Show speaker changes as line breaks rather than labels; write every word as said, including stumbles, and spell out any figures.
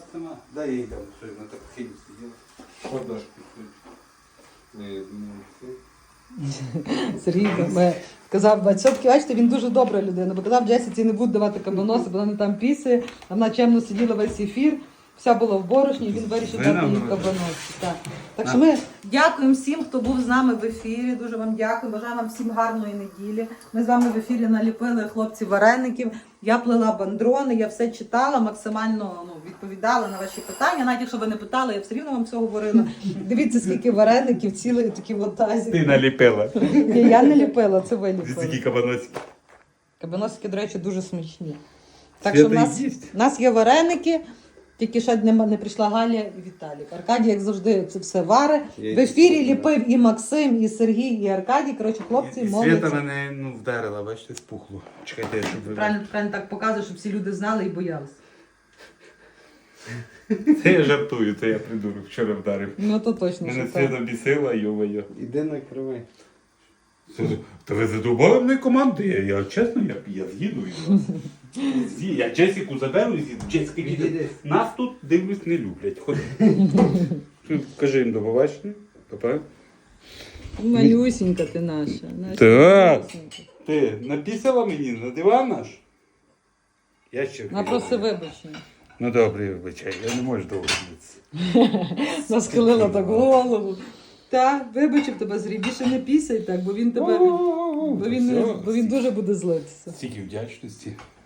нас нема. Дай їй там, що на так хилі сиділа. Подашки. Не,
Сергій ми казав, все-таки, бачите, він дуже добра людина, бо казав, Джесіці не будуть давати кабаноси, бо вона не там пісає, а вона чемно сиділа весь ефір, вся була в борошні, і він вирішив
Ви
дати їй
нам
кабаноси. Так. Так що ми дякуємо всім, хто був з нами в ефірі, дуже вам дякую, бажаю вам всім гарної неділі. Ми з вами в ефірі наліпили хлопці вареників, я плела бандрони, я все читала, максимально ну, відповідала на ваші питання, навіть якщо ви не питали, я все рівно вам все говорила. Дивіться, скільки вареників, цілий такі ватазі.
Ти наліпила.
Ні, я не ліпила, це ви ліпили.
кабаносики.
Кабаносики, до речі, дуже смачні. Так
Свята
що в нас,
їсть.
в нас є вареники, тільки ще не, не прийшла Галя і Віталік. Аркадій, як завжди, це все варе.
Я
В ефірі
їсть.
ліпив і Максим, і Сергій, і Аркадій. Коротше, хлопці,
І
молодці.
Свята мене ну, вдарила, бачите, спухло. Чекайте, щоб ви...
Правильно, правильно так показує, щоб всі люди знали і боялися.
Це я жартую, це я придурок, вчора вдарив.
Ну то точно,
Мене
що так.
Свята бісила, йо-моє.
Іди накривай.
Та ви задовбали мене команди, я, я чесно, я, я з'їду із вас. З'їду. Я Джесіку заберу і з'їду. Джесіка,
Відійди.
нас тут, дивлюсь, не люблять. Ходи. Кажи їм до побачення. Папа.
Малюсінька ти наша. наша
Так.
малюсінька.
Ти напісила мені на диван наш? Я ще
Вона просто вибачення.
Ну добре, вибачай, я не можу довго дивитися.
Насхилила так голову. Та, вибачив тебе, Зрій, більше не пісяй так, бо він тебе, бо він, не- бо він дуже буде злитися.
Стільки вдячності.